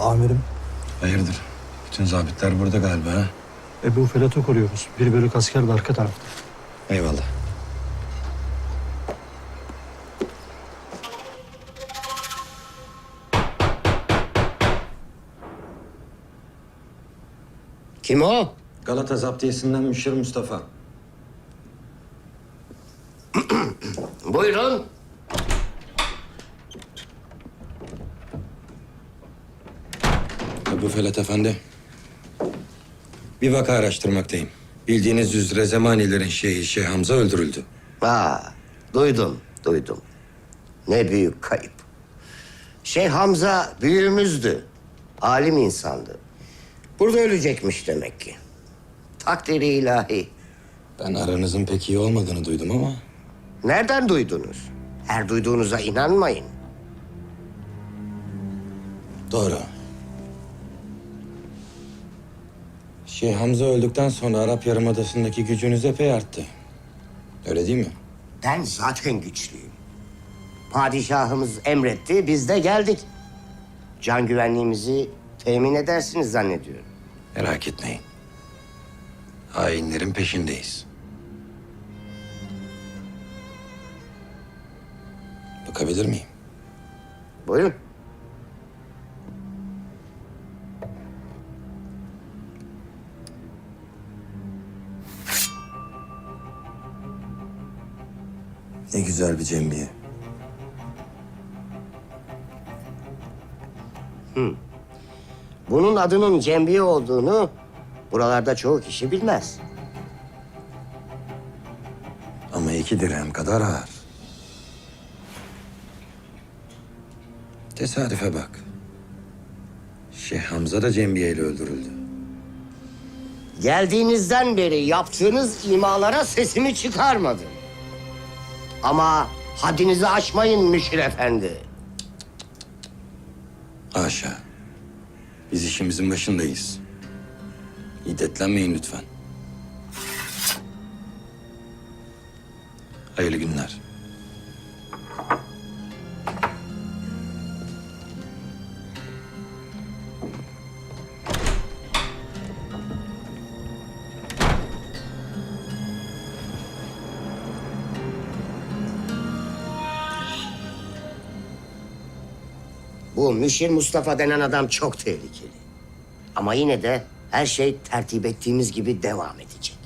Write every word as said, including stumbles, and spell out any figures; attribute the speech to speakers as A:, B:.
A: Amirim,
B: Hayırdır? Bütün zabitler burada galiba ha?
A: Ebu Felat'ı koruyoruz. Bir bölük asker de arka tarafta.
B: Eyvallah.
C: Kim o?
B: Galata Zaptiyesi'nden Müşir Mustafa.
C: Buyurun.
B: Ebu Felat Efendi. Bir vaka araştırmaktayım. Bildiğiniz üzere Zemanilerin şeyhi Şeyh Hamza öldürüldü.
C: Aa, duydum, duydum. Ne büyük kayıp. Şeyh Hamza büyüğümüzdü. Alim insandı. Burada ölecekmiş demek ki. Takdiri ilahi.
B: Ben aranızın pek iyi olmadığını duydum ama...
C: Nereden duydunuz? Her duyduğunuza inanmayın.
B: Doğru. Şeyh Hamza öldükten sonra Arap Yarımadası'ndaki gücünüz epey arttı. Öyle değil mi?
C: Ben zaten güçlüyüm. Padişahımız emretti, biz de geldik. Can güvenliğimizi temin edersiniz zannediyorum.
B: Merak etmeyin. Hainlerin peşindeyiz. Bakabilir miyim?
C: Buyurun.
B: Ne güzel bir cembiye.
C: Bunun adının cembiye olduğunu buralarda çoğu kişi bilmez.
B: Ama iki dirhem kadar ağır. Tesadüfe bak. Şeyh Hamza da cembiyeyle öldürüldü.
C: Geldiğinizden beri yaptığınız imalara sesimi çıkarmadım. Ama haddinizi aşmayın Müşir Efendi.
B: Haşa. Biz işimizin başındayız. İddetlenmeyin lütfen. Hayırlı günler.
C: Bu Müşir Mustafa denen adam çok tehlikeli. Ama yine de her şey tertip ettiğimiz gibi devam edecek.